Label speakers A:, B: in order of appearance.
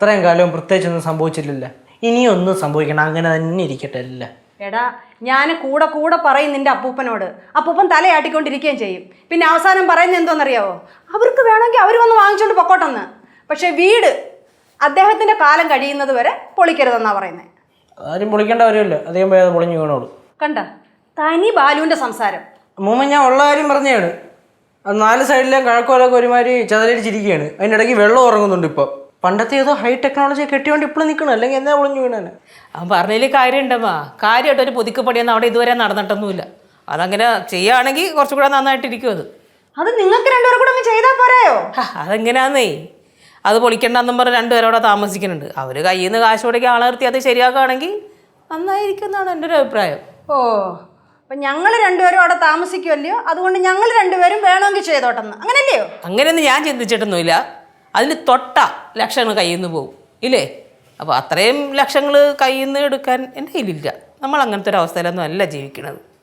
A: ഇത്രയും കാലവും പ്രത്യേകിച്ചൊന്നും സംഭവിച്ചിട്ടില്ല. ഇനിയൊന്നും സംഭവിക്കണം, അങ്ങനെ തന്നെ ഇരിക്കട്ടെ അല്ല.
B: എടാ ഞാൻ കൂടെ കൂടെ പറയും നിന്റെ അപ്പൂപ്പനോട്, അപ്പൂപ്പൻ തലയാട്ടിക്കൊണ്ടിരിക്കുകയും ചെയ്യും. പിന്നെ അവസാനം പറയുന്നത് എന്തോന്നറിയാവോ, അവർക്ക് വേണമെങ്കിൽ അവർ വന്ന് വാങ്ങിച്ചുകൊണ്ട് പൊക്കോട്ടെന്ന്. പക്ഷെ വീട് അദ്ദേഹത്തിന്റെ കാലം കഴിയുന്നത് വരെ പൊളിക്കരുതെന്നാ പറയുന്നത്.
A: ആരും പൊളിക്കേണ്ട കാര്യമില്ല, അധികം പോയത് പൊളിഞ്ഞു വീണോളൂ.
B: കണ്ട തനി ബാലുവിന്റെ സംസാരം.
A: അമ്മൂമ്മ ഞാൻ ഉള്ള കാര്യം പറഞ്ഞതാണ്. അത് 4 സൈഡിലെയും കഴക്കോലൊക്കെ ഒരുമാതിരി ചതലടിച്ചിരിക്കുകയാണ്. അതിനിടയ്ക്ക് വെള്ളം ഉറങ്ങുന്നുണ്ട്. ഇപ്പോൾ പണ്ടത്തെ ഏതോ ഹൈ ടെക്നോളജി കെട്ടിയോണ്ട് ഇപ്പോഴും നിൽക്കണം, അല്ലെങ്കിൽ എന്നാ പൊളിഞ്ഞു വീണാനെ.
C: അവൻ പറഞ്ഞതിൽ കാര്യമുണ്ടമ്മാ. കാര്യമായിട്ടൊരു പുതുക്കപ്പടിയൊന്നും അവിടെ ഇതുവരെ നടന്നിട്ടൊന്നുമില്ല. അതങ്ങനെ ചെയ്യുകയാണെങ്കിൽ കുറച്ചും കൂടെ നന്നായിട്ടിരിക്കും.
B: അത് നിങ്ങൾക്ക് രണ്ടുപേരും കൂടെ അങ്ങ് ചെയ്താൽ പോരായോ?
C: അതെങ്ങനെയാന്നേ, അത് പൊളിക്കണ്ടെന്നും പറഞ്ഞ് 2 പേരവിടെ താമസിക്കുന്നുണ്ട്. അവർ കയ്യിൽ നിന്ന് കാശ് കൊടുക്കി ആളെ നിർത്തി അത് ശരിയാക്കുകയാണെങ്കിൽ നന്നായിരിക്കും എന്നാണ് എൻ്റെ ഒരു അഭിപ്രായം.
B: ഓ അപ്പം ഞങ്ങൾ രണ്ടുപേരും അവിടെ താമസിക്കുമല്ലയോ, അതുകൊണ്ട് ഞങ്ങൾ രണ്ടുപേരും വേണമെങ്കിൽ ചെയ്തോട്ടെന്ന്, അങ്ങനല്ലയോ?
C: അങ്ങനെയൊന്നും ഞാൻ ചിന്തിച്ചിട്ടൊന്നുമില്ല. അതിന് തൊട്ട ലക്ഷങ്ങൾ കയ്യിൽ നിന്ന് പോകും ഇല്ലേ? അപ്പോൾ അത്രയും ലക്ഷങ്ങൾ കയ്യിൽ നിന്ന് എടുക്കാൻ എൻ്റെ കയ്യിലില്ല. നമ്മൾ അങ്ങനത്തെ ഒരു അവസ്ഥയിലൊന്നും അല്ല ജീവിക്കണത്.